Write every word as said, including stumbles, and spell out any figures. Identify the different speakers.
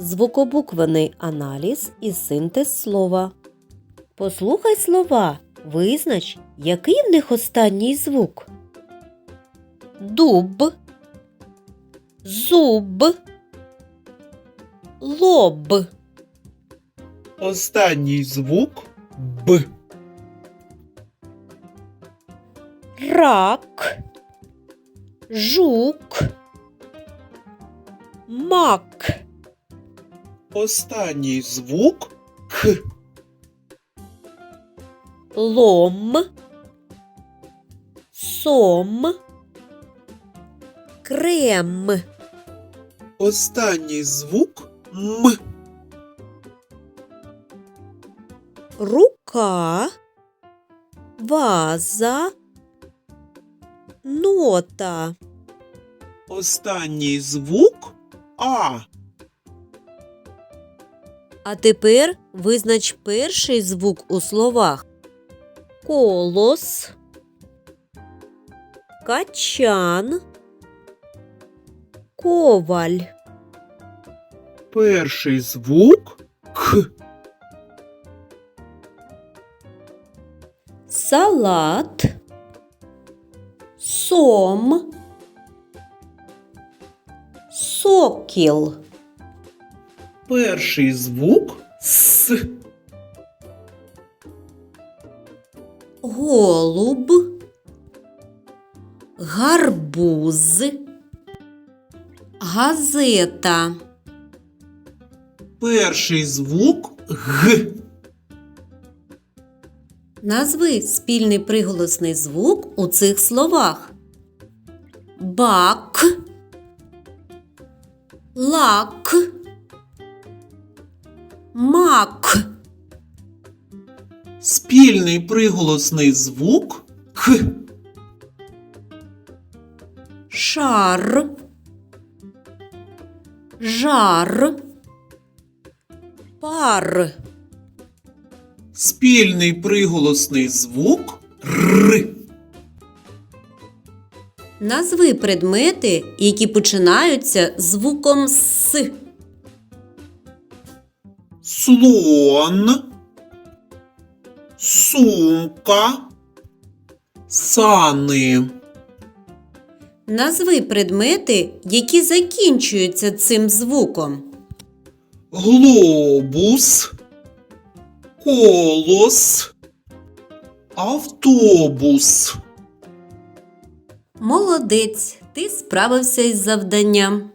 Speaker 1: звукобуквений аналіз і синтез слова. Послухай слова, визнач, який в них останній звук. Дуб, зуб, лоб.
Speaker 2: Останній звук Б.
Speaker 1: Рак, жук, мак.
Speaker 2: Останній звук Х.
Speaker 1: Лом, сом, крем.
Speaker 2: Останній звук М.
Speaker 1: Рука, ваза, нота.
Speaker 2: Останній звук А.
Speaker 1: А тепер визнач перший звук у словах. Колос, качан, коваль.
Speaker 2: Перший звук К.
Speaker 1: Салат, сом, сокіл.
Speaker 2: Перший звук С.
Speaker 1: Голуб, гарбуз, газета.
Speaker 2: Перший звук Г.
Speaker 1: Назви спільний приголосний звук у цих словах. Бак, лак, мак.
Speaker 2: Спільний приголосний звук К.
Speaker 1: Шар, жар, пар.
Speaker 2: Спільний приголосний звук Р.
Speaker 1: Назви предмети, які починаються звуком С.
Speaker 2: Слон, сумка, сани.
Speaker 1: Назви предмети, які закінчуються цим звуком.
Speaker 2: Глобус, колос, автобус.
Speaker 1: Молодець, ти справився із завданням.